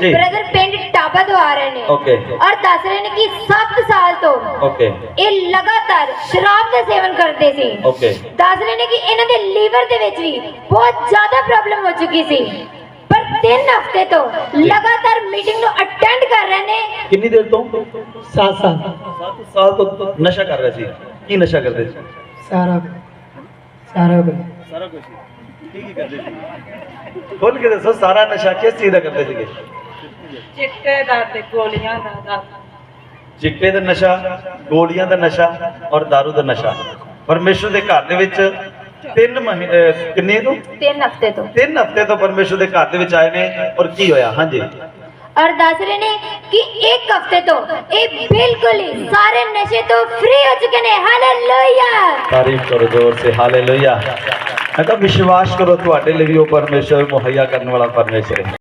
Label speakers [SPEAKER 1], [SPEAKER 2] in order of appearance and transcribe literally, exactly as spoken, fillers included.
[SPEAKER 1] जी।
[SPEAKER 2] Brother पिंड टापा तो आ रहे ने
[SPEAKER 1] ओके।
[SPEAKER 2] और दस रहे ने कि सात साल तो
[SPEAKER 1] ओके
[SPEAKER 2] ये लगातार शराब का सेवन करते सी।
[SPEAKER 1] ओके
[SPEAKER 2] दस रहे ने कि इन्हां दे लीवर दे विच भी बहुत ज्यादा प्रॉब्लम हो चुकी सी, पर तीन हफ्ते तो लगातार मीटिंग नु अटेंड कर रहे ने।
[SPEAKER 1] कितनी देर तो
[SPEAKER 3] सात साल
[SPEAKER 1] सात साल तो नशा कर रहे सी। की नशा करते सी?
[SPEAKER 3] सारा सारा कुछ
[SPEAKER 1] सारा कुछ की की करते सी? खोल के दसो सारा नशा किस चीज का करते सी?
[SPEAKER 4] चिट्टे दा ते गोलियां दा दा
[SPEAKER 1] चिट्टे ਦਾ ਨਸ਼ਾ, ਗੋਲੀਆਂ ਦਾ ਨਸ਼ਾ ਔਰ दारू ਦਾ ਨਸ਼ਾ। ਪਰਮੇਸ਼ਰ ਦੇ ਘਰ ਦੇ ਵਿੱਚ ਤਿੰਨ ਮਹੀ- ਅਹ ਕਿੰਨੇ ਤੋਂ
[SPEAKER 2] तीन हफ्ते तो
[SPEAKER 1] ਤਿੰਨ ਹਫ਼ਤੇ ਤੋਂ ਪਰਮੇਸ਼ਰ ਦੇ ਘਰ ਦੇ ਵਿੱਚ ਆਏ ਨੇ ਔਰ ਕੀ ਹੋਇਆ? ਹਾਂਜੀ
[SPEAKER 2] और दस रहे ने कि एक हफ्ते तो ये बिल्कुल ही सारे नशे तो फ्री हो चुके ने। हालेलुया।
[SPEAKER 1] तारीफ करो जोर से हालेलुया। मैं कहा विश्वास करो ਤੁਹਾਡੇ ਲਈ ਵੀ ਉਹ ਪਰਮੇਸ਼ਰ ਮੁਹੱਈਆ ਕਰਨ ਵਾਲਾ ਪਰਮੇਸ਼ਰ ਹੈ।